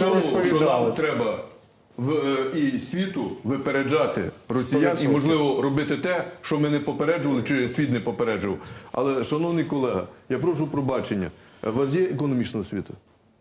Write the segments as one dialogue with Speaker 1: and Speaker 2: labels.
Speaker 1: цьому, що
Speaker 2: розповідали.
Speaker 1: нам треба і світу випереджати росіян і, можливо, робити те, що ми не попереджували, чи світ не попереджував. Але, шановний колега, я прошу пробачення. У вас є економічна освіта?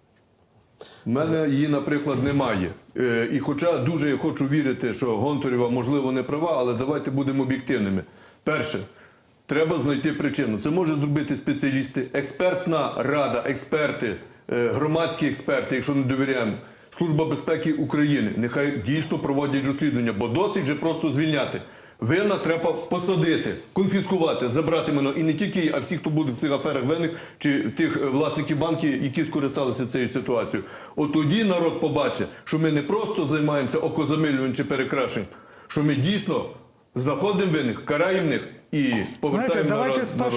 Speaker 1: У мене її, наприклад, немає. І хоча дуже я хочу вірити, що Гонтарєва, можливо, не права, але давайте будемо об'єктивними. Перше, треба знайти причину. Це можуть зробити спеціалісти, експертна рада, експерти, громадські експерти, якщо не довіряємо. Служба безпеки України. Нехай дійсно проводять розслідування, бо досить вже просто звільняти. Винна треба посадити, конфіскувати, забрати майно. І не тільки її, а всіх, хто буде в цих аферах винних, чи тих власників банків, які скористалися цією ситуацією. От тоді народ побачить, що ми не просто займаємося окозамилюванням чи перекрашенням, що ми дійсно знаходимо винних, караємо них і повертаємо народ.
Speaker 3: Давайте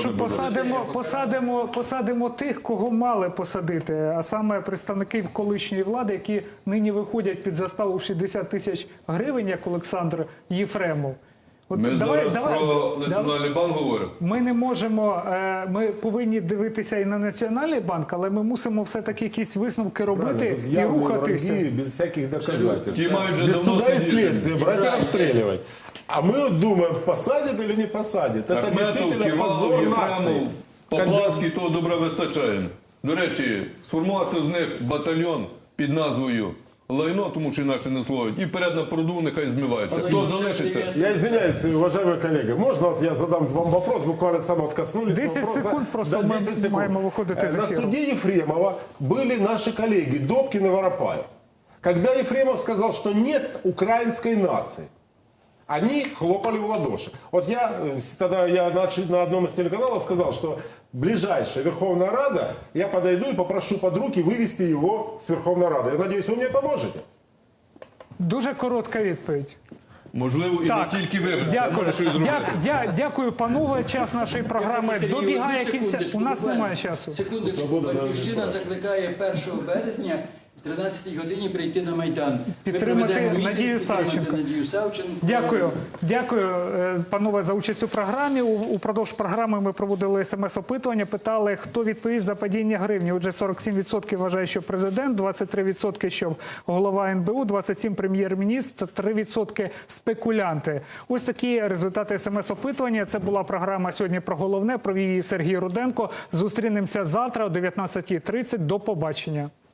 Speaker 3: спершу посадимо тих, кого мали посадити, а саме представників колишньої влади, які нині виходять під заставу в 60 тисяч гривень, як Олександр Єфремов.
Speaker 1: Ми зараз про Національний банк говоримо.
Speaker 3: Ми не можемо, ми повинні дивитися і на Національний банк, але ми мусимо все-таки якісь висновки робити і рухатися.
Speaker 2: Без всяких доказательств.
Speaker 1: Ті мають вже
Speaker 2: Без
Speaker 1: давно
Speaker 2: суда и
Speaker 1: сидіти.
Speaker 2: следствия брать и расстреливать. А мы вот думаем, посадят или не посадят. Это
Speaker 1: Ахметов,
Speaker 2: действительно
Speaker 1: Ківалов,
Speaker 2: позор нации.
Speaker 1: Єфремов, Поплавський, того добра вистачає. До речі, сформувати з них батальйон під назвою лайно, тому що інакше не слово, і вперед на пруду нехай змиваються. Хто залишиться?
Speaker 2: Я извиняюсь, уважаемые коллеги, можно вот я задам вам вопрос, буквально сам вот коснулись
Speaker 3: 10
Speaker 2: вопроса.
Speaker 3: секунд просто
Speaker 2: Да, 10
Speaker 3: мы
Speaker 2: секунд.
Speaker 3: маем выходить из
Speaker 2: На
Speaker 3: эфира.
Speaker 2: суде Ефремова были наши коллеги Добкин и Воропаев. Когда Ефремов сказал, что нет украинской нации, они хлопали в ладоши. Вот тогда я на одном из телеканалов сказал, что ближайшая Верховная Рада, я подойду и попрошу под руки вывести его с Верховной Рады. Я надеюсь, вы мне поможете.
Speaker 3: Дуже коротка відповідь.
Speaker 1: Можливо, і не тільки вивезти, а
Speaker 3: Дякую.
Speaker 1: може щось зробити.
Speaker 3: Дякую, панове. Час нашої програми добігає кінця. У нас немає часу.
Speaker 4: Секундочку, Батьківщина закликає 1 березня о 13-й годині прийти на Майдан.
Speaker 3: Підтримати Надію Савченко.
Speaker 4: Надію Савченко.
Speaker 3: Дякую, панове, за участь у програмі. Упродовж програми ми проводили смс-опитування, питали, хто відповість за падіння гривні. Отже, 47% вважає, що президент, 23% що голова НБУ, 27% прем'єр-міністр, 3% спекулянти. Ось такі результати смс-опитування. Це була програма «Сьогодні про головне». Провів її Сергій Руденко. Зустрінемося завтра о 19:30. До побачення.